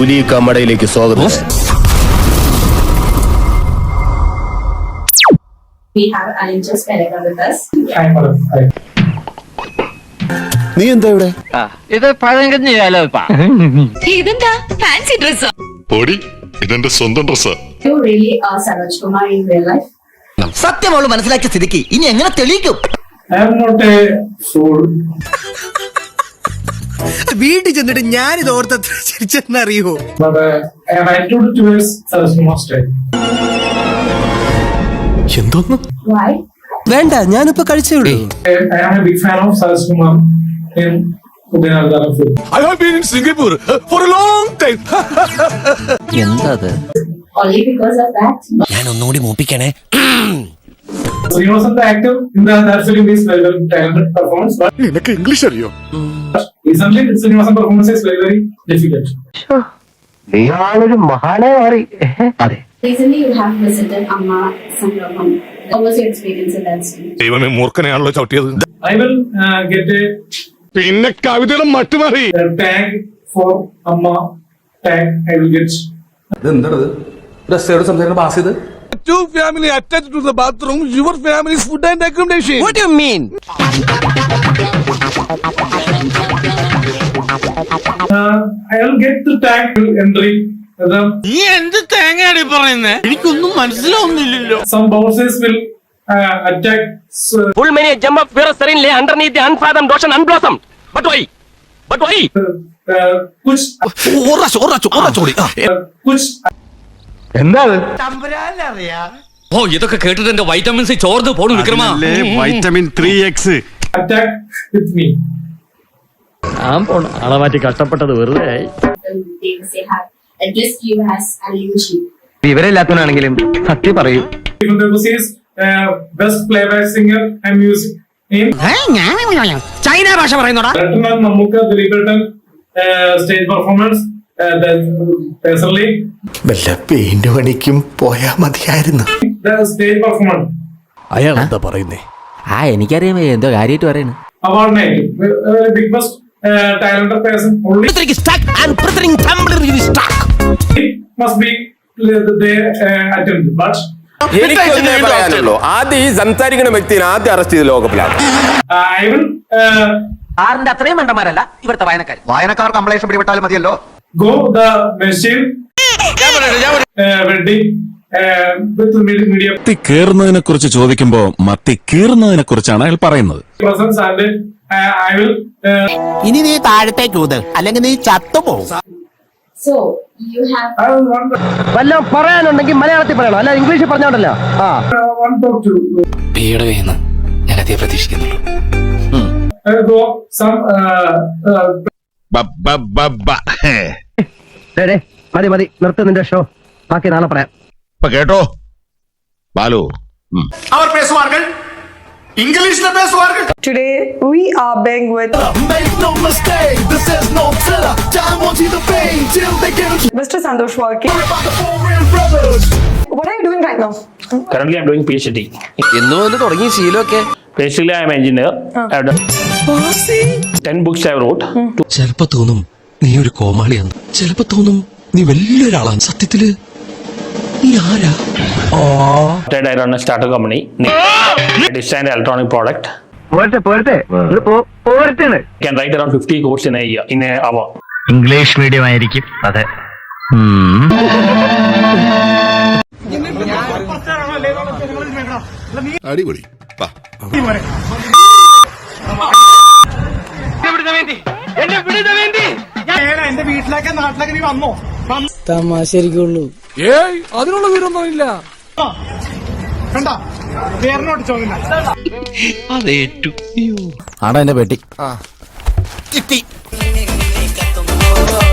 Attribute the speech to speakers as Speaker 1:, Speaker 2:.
Speaker 1: പുലി കമ്മടയിലേക്ക് സ്വാഗതം.
Speaker 2: We have Alinjas Perega with us.
Speaker 1: നീ എന്താ ഇവിടെ?
Speaker 3: ഇത് പഴങ്കഞ്ഞിയാലോ?
Speaker 4: ഇതെന്താ ഫാൻസി ഡ്രസ്സോ?
Speaker 5: പൊടി, ഇതെന്റെ സ്വന്തം ഡ്രസ്സാ.
Speaker 2: You really are Saroj Kumar in real life?
Speaker 6: സത്യമോള് മനസ്സിലാക്കിയ സ്ഥിതിക്ക് ഇനി എങ്ങനെ തെളിയിക്കും?
Speaker 7: I am not a fool.
Speaker 6: വീട്ടിൽ ചെന്നിട്ട് ഞാനിത് ഓർത്തത്ര ചിരിച്ചെന്നറിയോ?
Speaker 7: But I am attitude towards Saroj Kumar style.
Speaker 1: എന്തോന്നു?
Speaker 2: Why?
Speaker 6: വേണ്ട, ഞാനിപ്പോ കഴിച്ചേ ഉള്ളൂ.
Speaker 7: I am a big fan of Saroj Kumar in Udayanagar film.
Speaker 1: I have been in Singapore for a long time.
Speaker 6: എന്താ അത്?
Speaker 2: Only because of that?
Speaker 6: ഞാൻ ഒന്നുകൂടി മൂപ്പിക്കണേ.
Speaker 7: Srinivasan, the actor in that film, is very very talented performance, but
Speaker 1: നിനക്ക് English അറിയോ?
Speaker 7: recently Srinivasan performance is very very difficult.
Speaker 3: നീയാളൊരു മഹാനെ മാറി. അതെ,
Speaker 2: Recently you have visited Amma Sangramam. What was your experience in that scene?
Speaker 1: ദൈവമേ, മൂർഖനെയാണല്ലോ ചവിട്ടിയത്.
Speaker 7: I will get
Speaker 1: പിന്നെ കവിതയുടെ മട്ടുമാറി.
Speaker 7: a tag for Amma tag. I will get.
Speaker 1: Two family attached to the bathroom. Your family's food and accommodation.
Speaker 6: What do you mean?
Speaker 7: I will get the tag entry.
Speaker 3: നീ എന്ത് തേങ്ങയാടി പറയുന്നേ? എനിക്കൊന്നും മനസ്സിലാവുന്നില്ലല്ലോ.
Speaker 7: Some bouncers will attack.
Speaker 3: Full many jump up where serenely underneath the unfathomed ocean unblossomed. But why? But why?
Speaker 7: Kuch. Kuch.
Speaker 3: എന്താ?
Speaker 8: ഓ, ഇതൊക്കെ കേട്ടിട്ട് എന്റെ vitamin C ചോർന്ന് പോണു വിക്രമാ.
Speaker 1: Vitamin 3X.
Speaker 7: Attack with me.
Speaker 3: ആളെ മാറ്റി കഷ്ടപ്പെട്ടത് വെറുതെ.
Speaker 2: They say have at least you as Alinji.
Speaker 3: വിവരമില്ലാത്തവനാണെങ്കിലും സത്യം പറയൂ.
Speaker 7: Even though he is best playback singer and music name.
Speaker 6: China ഭാഷ പറയുന്നോടാ.
Speaker 7: Rattan Mamukka Dilipatan stage performance. Personally,
Speaker 1: വല്ല പെയിന്റ് പണിക്കും പോയാ മതിയായിരുന്നു.
Speaker 7: the stage performance.
Speaker 1: അയാൾ എന്താ പറയുന്നേ?
Speaker 6: എനിക്കറിയാം എന്തോ കാര്യമായിട്ട് പറയുന്നു.
Speaker 7: Award night. Big best talented person only must be they attend. But
Speaker 9: എനിക്കൊന്നേ പറയാനുള്ളൂ, ആദ്യം ഈ സംസാരിക്കുന്ന വ്യക്തിനെ ആദ്യം അറസ്റ്റ് ചെയ്ത് ലോകപ്പിലാണ്.
Speaker 7: I will
Speaker 6: ആറിന്റെ അത്രയും മണ്ടന്മാരല്ല ഇവിടുത്തെ വായനക്കാർ കംപ്ലൈന്റ് പിടിപെട്ടാലും മതിയല്ലോ.
Speaker 7: go the machine wedding with media
Speaker 10: മത്തി കീറുന്നതിനെ കുറിച്ച് ചോദിക്കുമ്പോ മത്തി കീറുന്നതിനെ കുറിച്ചാണ് അയാൾ പറയുന്നത്.
Speaker 7: presence and I will
Speaker 6: ഇനി നീ താഴത്തേക്ക് ഊത്, അല്ലെങ്കിൽ നീ ചത്തുപോകും.
Speaker 2: So you have
Speaker 7: I will want
Speaker 3: വല്ലതും പറയാനുണ്ടെങ്കിൽ മലയാളത്തിൽ പറയണം, അല്ല ഇംഗ്ലീഷിൽ പറഞ്ഞോണ്ടല്ലോ.
Speaker 7: want to
Speaker 6: ഞാൻ അതേ പ്രതീക്ഷിക്കുന്നുള്ളൂ.
Speaker 7: go some
Speaker 3: മതി മതി, നിർത്ത് നിന്റെ ഷോ, ബാക്കി നാളെ പറയാം.
Speaker 10: കേട്ടോ Balu,
Speaker 4: Today we are being with Mr. Santosh Walke. What are you doing right now?
Speaker 11: Currently, I'm doing PhD.
Speaker 6: എന്ന് വന്ന് തുടങ്ങിയ ശീലമൊക്കെ.
Speaker 11: Basically, I'm an engineer. I've done 10 books I wrote.
Speaker 10: ചിലപ്പോ തോന്നും നീ ഒരു കോമാളിയാണ്, ചിലപ്പോ തോന്നും നീ വലിയൊരാളാണ്. സത്യത്തില് നീ ആരാ?
Speaker 11: I run a startup company. I design an electronic product. Can write around 50 codes in an hour.
Speaker 3: English medium ആയിരിക്കും. അതെ.
Speaker 5: അടിപൊളി.
Speaker 7: എന്റെ വീട്ടിലേക്ക് നാട്ടിലേക്ക് നീ വന്നോ?
Speaker 6: തമാശരിക്കുള്ളൂ.
Speaker 1: ഏയ്, അതിനുള്ള വിവരമൊന്നും ഇല്ല.
Speaker 7: കണ്ട പേരിനോട്ട് ചോദില്ല.
Speaker 6: ആടാ എന്റെ പെട്ടി.
Speaker 1: കിട്ടി.